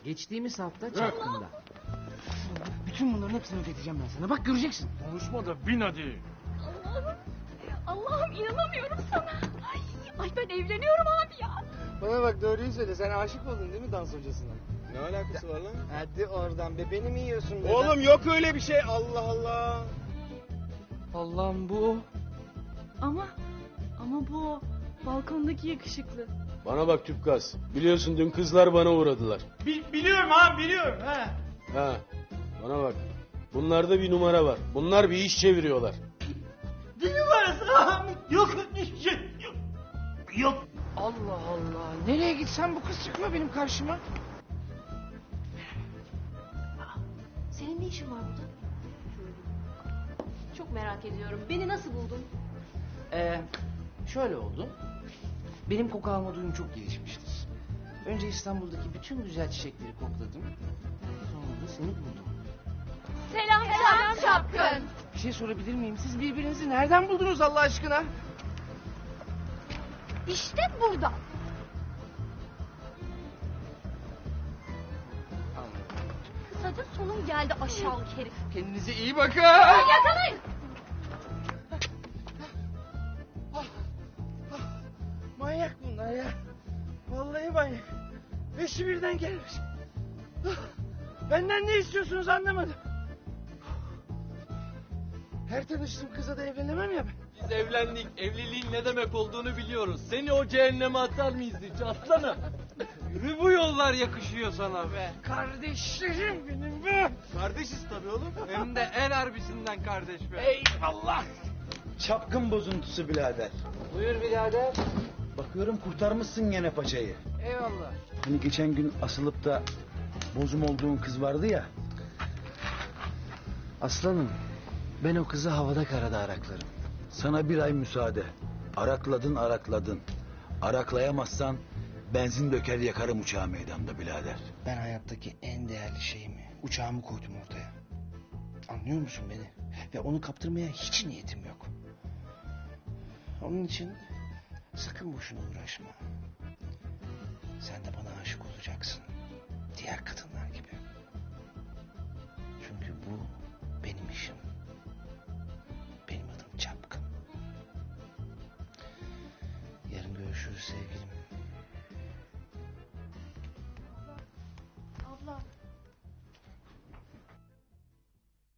Geçtiğimiz hafta Çapkın'da. Bütün bunların hepsini ödeteceğim ben sana. Bak göreceksin. Konuşma da bin hadi. Allah'ım inanamıyorum sana. Ay ben evleniyorum abi ya. Bana bak doğruyu söyle. Sen aşık oldun değil mi dans hocasına? Ne alakası var lan? Hadi oradan be. Beni mi yiyorsun be? Oğlum yok öyle bir şey. Allah Allah. Allah'ım bu. Ama bu balkondaki yakışıklı. Bana bak Tüpgaz. Biliyorsun dün kızlar bana uğradılar. Biliyorum abi biliyorum. He. Ha. Bana bak. Bunlarda bir numara var. Bunlar bir iş çeviriyorlar. Ne numarası abi? Yok. Yok. Allah Allah. Nereye gitsem bu kız çıkıyor benim karşıma. Senin ne işin var burada? Çok merak ediyorum. Beni nasıl buldun? Şöyle oldu. Benim koku alma duyum çok gelişmiştir. Önce İstanbul'daki bütün güzel çiçekleri kokladım. Sonra da seni buldum. Selam Çapkın. Bir şey sorabilir miyim? Siz birbirinizi nereden buldunuz Allah aşkına? İşte burada. Kısaca sonum geldi aşağılık herif. Kendinize iyi bakın. Yakalayın. Manyak bunlar ya. Vallahi manyak. Beşi birden gelmiş. Benden ne istiyorsunuz anlamadım. Her tanıştığım kıza da evlenemem ya ben. Biz evlendik. Evliliğin ne demek olduğunu biliyoruz. Seni o cehenneme atar mıyız hiç aslanım? Yürü bu yollar yakışıyor sana be. Kardeşlerim benim be. Kardeşiz tabii oğlum. Hem de en harbisinden kardeş be. Eyvallah. Çapkın bozuntusu birader. Buyur birader. Bakıyorum kurtarmışsın gene paçayı. Eyvallah. Hani geçen gün asılıp da bozum olduğun kız vardı ya. Aslanım, ben o kızı havada karada araklarım. Sana bir ay müsaade. Arakladın. Araklayamazsan benzin döker yakarım uçağı meydanda birader. Ben hayattaki en değerli şeyimi, uçağımı koydum ortaya. Anlıyor musun beni? Ve onu kaptırmaya hiç niyetim yok. Onun için sakın boşuna uğraşma. Sen de bana aşık olacaksın. Diğer kadınlar gibi. Çünkü bu benim işim. Benim adım Çapkın. Yarın görüşürüz sevgilim.